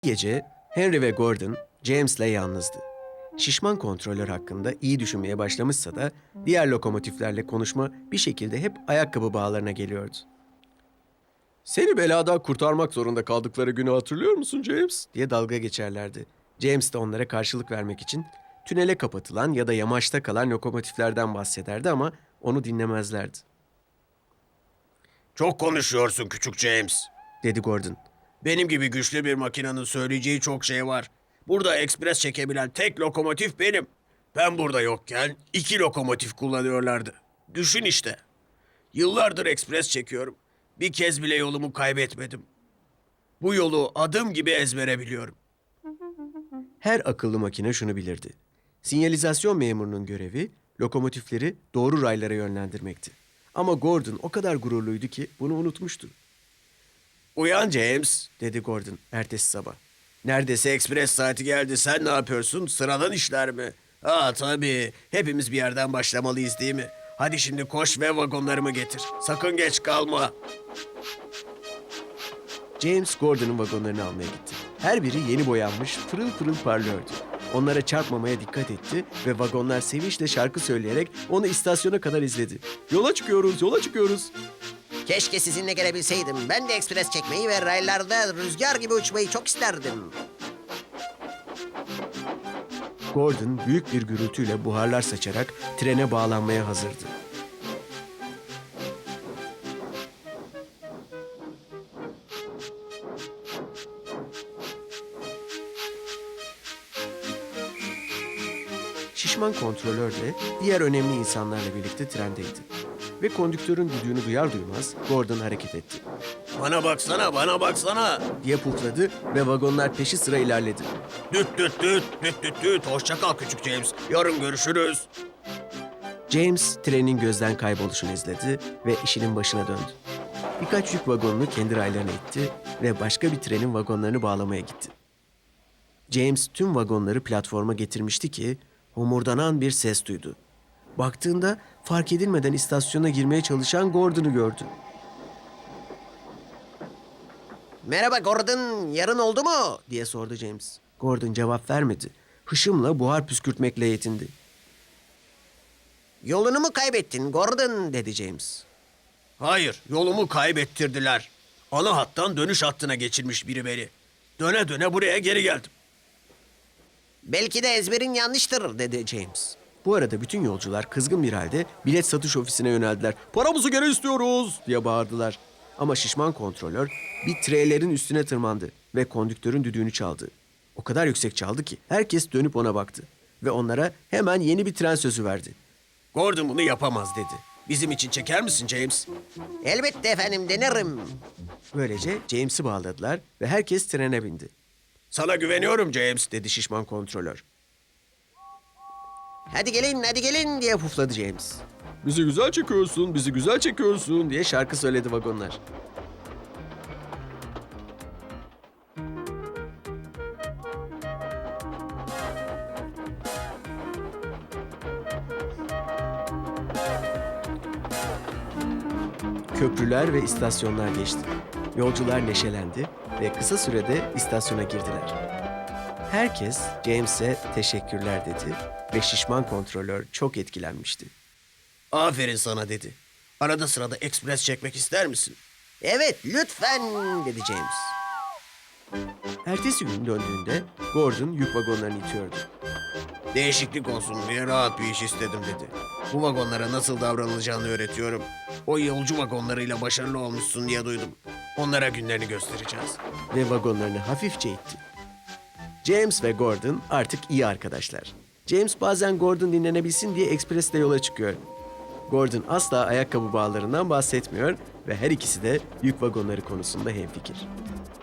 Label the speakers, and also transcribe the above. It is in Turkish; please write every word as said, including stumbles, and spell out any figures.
Speaker 1: Gece Henry ve Gordon James'le yalnızdı. Şişman kontrolör hakkında iyi düşünmeye başlamışsa da diğer lokomotiflerle konuşma bir şekilde hep ayakkabı bağlarına geliyordu. "Seni beladan kurtarmak zorunda kaldıkları günü hatırlıyor musun James?" diye dalga geçerlerdi. James de onlara karşılık vermek için tünele kapatılan ya da yamaçta kalan lokomotiflerden bahsederdi ama onu dinlemezlerdi.
Speaker 2: Çok konuşuyorsun küçük James,
Speaker 1: Dedi Gordon.
Speaker 2: benim gibi güçlü bir makinenin söyleyeceği çok şey var. Burada ekspres çekebilen tek lokomotif benim. Ben burada yokken iki lokomotif kullanıyorlardı. Düşün işte. Yıllardır ekspres çekiyorum. Bir kez bile yolumu kaybetmedim. Bu yolu adım gibi ezbere biliyorum.
Speaker 1: Her akıllı makine şunu bilirdi. Sinyalizasyon memurunun görevi lokomotifleri doğru raylara yönlendirmekti. Ama Gordon o kadar gururluydu ki bunu unutmuştu.
Speaker 2: Uyan James,
Speaker 1: Dedi Gordon ertesi sabah.
Speaker 2: neredeyse ekspres saati geldi. Sen ne yapıyorsun? Sıradan işler mi? Aa tabii. Hepimiz bir yerden başlamalıyız değil mi? Hadi şimdi koş ve vagonlarımı getir. Sakın geç kalma.
Speaker 1: James Gordon'un vagonlarını almaya gitti. Her biri yeni boyanmış, pırıl pırıl parlıyordu. Onlara çarpmamaya dikkat etti ve vagonlar sevinçle şarkı söyleyerek onu istasyona kadar izledi. "Yola çıkıyoruz, yola çıkıyoruz."
Speaker 3: Keşke sizinle gelebilseydim. Ben de ekspres çekmeyi ve raylarda rüzgar gibi uçmayı çok isterdim.
Speaker 1: Gordon büyük bir gürültüyle buharlar saçarak trene bağlanmaya hazırdı. Şişman kontrolör de diğer önemli insanlarla birlikte trendeydi. Ve kondüktörün düdüğünü duyar duymaz Gordon hareket etti.
Speaker 2: Bana baksana, bana baksana.
Speaker 1: Diye pufladı ve vagonlar peşi sıra ilerledi.
Speaker 2: Düt düt düt, düt düt düt. Hoşça kal küçük James. Yarın görüşürüz.
Speaker 1: James trenin gözden kayboluşunu izledi ve işinin başına döndü. Birkaç yük vagonunu kendi raylarına itti ve başka bir trenin vagonlarını bağlamaya gitti. James tüm vagonları platforma getirmişti ki homurdanan bir ses duydu. Baktığında fark edilmeden istasyona girmeye çalışan Gordon'u gördü.
Speaker 3: Merhaba Gordon, yarın oldu mu?
Speaker 1: Diye sordu James. Gordon cevap vermedi. Hışımla buhar püskürtmekle yetindi.
Speaker 3: Yolunu mu kaybettin Gordon?
Speaker 1: Dedi James.
Speaker 2: Hayır, yolumu kaybettirdiler. Ana hattan dönüş hattına geçirmiş biri beni. Döne döne buraya geri geldim.
Speaker 3: Belki de ezberin yanlıştır dedi James.
Speaker 1: Bu arada bütün yolcular kızgın bir halde bilet satış ofisine yöneldiler. "Paramızı geri istiyoruz!" diye bağırdılar. Ama şişman kontrolör bir treylerin üstüne tırmandı ve kondüktörün düdüğünü çaldı. O kadar yüksek çaldı ki herkes dönüp ona baktı. Ve onlara hemen yeni bir tren sözü verdi.
Speaker 2: Gordon bunu yapamaz dedi. Bizim için çeker misin James?
Speaker 3: Elbette efendim, denerim.
Speaker 1: Böylece James'i bağladılar ve herkes trene bindi.
Speaker 2: Sana güveniyorum James.
Speaker 1: Dedi şişman kontrolör.
Speaker 3: Hadi gelin, hadi gelin diye
Speaker 1: Pufladı James. "Bizi güzel çekiyorsun, bizi güzel çekiyorsun" diye şarkı söyledi vagonlar. Köprüler ve istasyonlar geçti. Yolcular neşelendi ve kısa sürede istasyona girdiler. Herkes James'e teşekkürler dedi ve şişman kontrolör çok etkilenmişti.
Speaker 2: Aferin sana dedi. Arada sırada ekspres çekmek ister misin?
Speaker 3: Evet, lütfen dedi James.
Speaker 1: Ertesi gün döndüğünde Gordon yük vagonlarını itiyordu.
Speaker 2: Değişiklik olsun diye rahat bir iş istedim dedi. Bu vagonlara nasıl davranılacağını öğretiyorum. O yolcu vagonlarıyla başarılı olmuşsun diye duydum. Onlara günlerini göstereceğiz.
Speaker 1: Ve vagonlarını hafifçe itti. James ve Gordon artık iyi arkadaşlar. James bazen Gordon dinlenebilsin diye ekspresle yola çıkıyor. Gordon asla ayakkabı bağlarından bahsetmiyor ve her ikisi de yük vagonları konusunda hemfikir.